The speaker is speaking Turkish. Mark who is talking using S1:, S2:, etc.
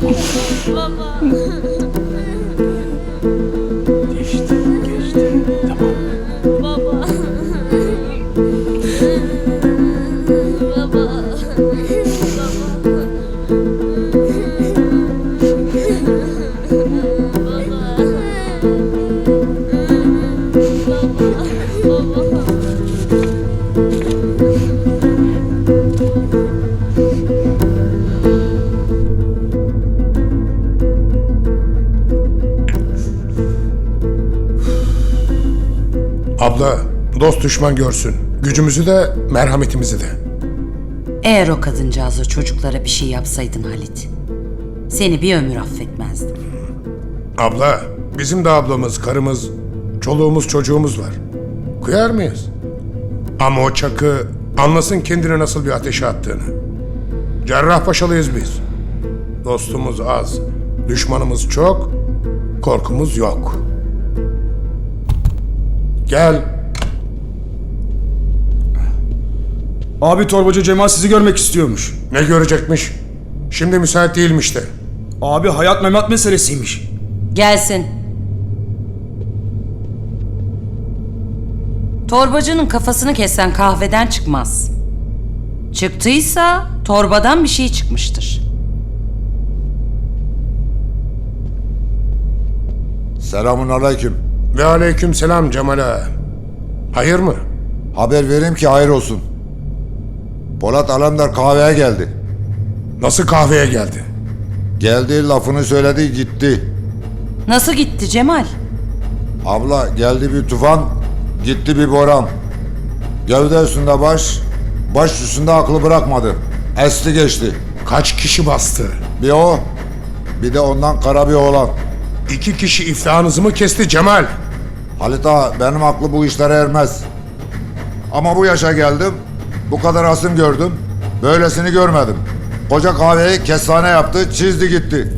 S1: Baba.
S2: Geçti, geçti. Tamam.
S1: Baba. Baba.
S3: Abla, dost düşman görsün. Gücümüzü de, merhametimizi de.
S4: Eğer o kadıncağıza çocuklara bir şey yapsaydın Halit, seni bir ömür affetmezdim.
S3: Abla, bizim de ablamız, karımız, çoluğumuz, çocuğumuz var. Kıyar mıyız? Ama o Çakı anlasın kendini nasıl bir ateşe attığını. Cerrahpaşalıyız biz. Dostumuz az, düşmanımız çok, korkumuz yok. Gel.
S5: Abi torbacı Cemal sizi görmek istiyormuş.
S3: Ne görecekmiş? Şimdi müsait değilmiş de.
S5: Abi hayat memat meselesiymiş.
S4: Gelsin. Torbacının kafasını kesen kahveden çıkmaz. Çıktıysa torbadan bir şey çıkmıştır.
S6: Selamun aleyküm.
S3: Ve aleyküm selam Cemal ağa. Hayır mı?
S6: Haber vereyim ki hayır olsun. Polat Alemdar kahveye geldi.
S3: Nasıl kahveye geldi?
S6: Geldi, lafını söyledi, gitti.
S4: Nasıl gitti Cemal?
S6: Abla, geldi bir tufan, gitti bir boran. Gövde üstünde baş, baş üstünde aklı bırakmadı. Esti geçti.
S3: Kaç kişi bastı?
S6: Bir o, bir de ondan kara bir oğlan.
S3: 2 kişi iflahınızı mı kesti Cemal?
S6: Halit ağa, benim aklı bu işlere ermez. Ama bu yaşa geldim, bu kadar asım gördüm, böylesini görmedim. Koca kahveyi kestane yaptı, çizdi gitti.